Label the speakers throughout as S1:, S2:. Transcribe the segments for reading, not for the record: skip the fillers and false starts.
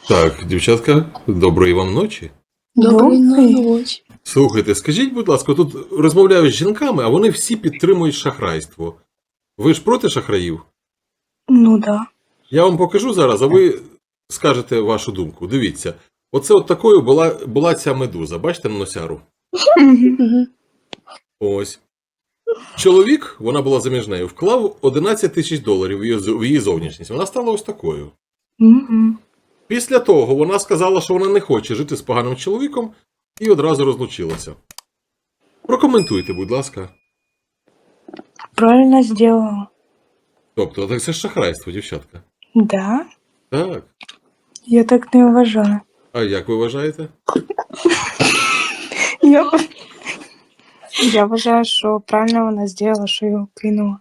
S1: Так, дівчатка, доброї вам ночі.
S2: Доброї
S3: Добрий.
S2: ночі.
S1: Слухайте, скажіть, будь ласка, тут розмовляю з жінками, а вони всі підтримують шахрайство. Ви ж проти шахраїв?
S3: Ну да.
S1: Я вам покажу зараз, а ви скажете вашу думку. Дивіться, оце от такою була ця медуза. Бачите на носяру?
S2: Угу.
S1: Ось. Чоловік, вона була заміж нею, вклав 11 тисяч доларів в її зовнішність. Вона стала ось такою.
S3: Мгм.
S1: Після того вона сказала, що вона не хоче жити з поганим чоловіком і одразу розлучилася. Прокоментуйте, будь ласка.
S3: Правильно сделала.
S1: Тобто, так це ж шахрайство, дівчатка.
S3: Да?
S1: Так.
S3: Я так не вважаю.
S1: А як ви вважаєте?
S3: Я вважаю, що правильно вона зробила, що його кинула.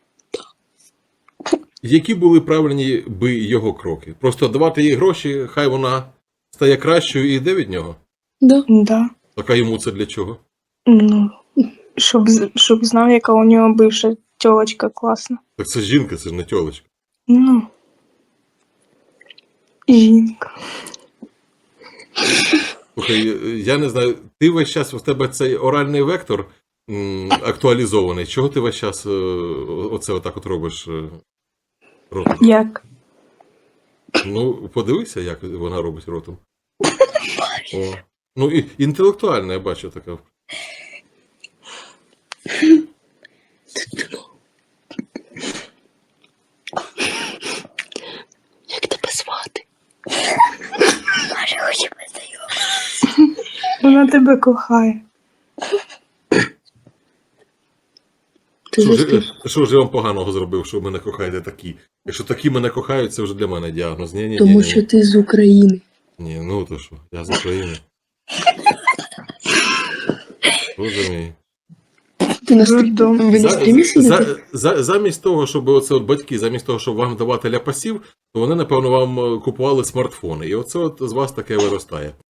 S1: Які були правильні би його кроки? Просто давати їй гроші, хай вона стає кращою і йде від нього?
S3: Да.
S1: Так а йому це для чого?
S3: Ну, щоб знав, яка у нього бивша тілочка класна.
S1: Так це ж жінка, це ж не тьолочка.
S3: Ну. Жінка.
S1: Слухай, я не знаю, ти весь час, у тебе цей оральний вектор актуалізований. Чого ти весь час оце отак от робиш ротом?
S3: Як?
S1: Ну, подивися, як вона робить ротом. О. Ну, і інтелектуальна, я бачу така.
S2: Як тебе звати? Може, хоче познайомитися.
S3: Вона тебе кохає.
S1: Що ж я вам поганого зробив, що ви мене кохаєте такі? Якщо такі мене кохають, це вже для мене діагноз. Ні.
S2: Тому що ти з України.
S1: Ні, ну то що, я з України. Боже мій.
S2: Ти на
S3: Дурдом.
S2: Ви на стрімі сидите?
S1: Замість того, щоб оце от батьки, замість того, щоб вам давати ляпасів, то вони, напевно, вам купували смартфони. І оце от з вас таке виростає.